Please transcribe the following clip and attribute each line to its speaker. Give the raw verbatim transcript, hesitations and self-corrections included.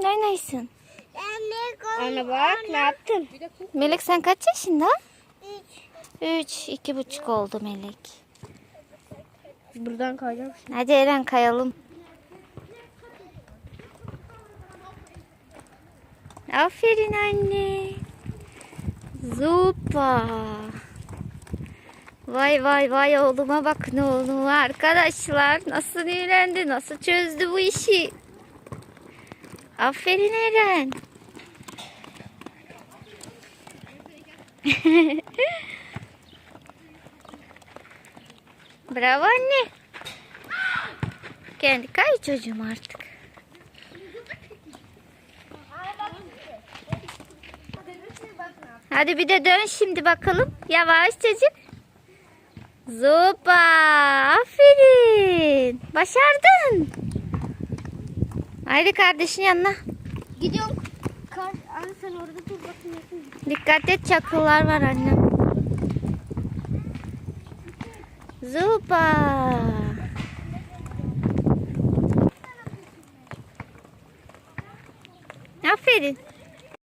Speaker 1: Neredesin?
Speaker 2: Anne bak ne yaptın?
Speaker 1: Melek sen kaç yaşında? Üç. iki buçuk oldu Melek.
Speaker 2: Buradan kayacağım şimdi.
Speaker 1: Hadi Eren kayalım. Aferin anne. Zupa. Vay vay vay oğluma bakın oğluma arkadaşlar. Nasıl öğrendi, nasıl çözdü bu işi. Aferin Eren. Bravo anne. Kendi kay çocuğum artık. Hadi bir de dön şimdi bakalım. Yavaş çocuk. Zupa. Aferin. Başardın. Haydi kardeşin yanına.
Speaker 2: Gidiyorum. Kar, anne sen orada dur bakayım.
Speaker 1: Dikkat et, çakıllar var annem. Zupa. Aferin.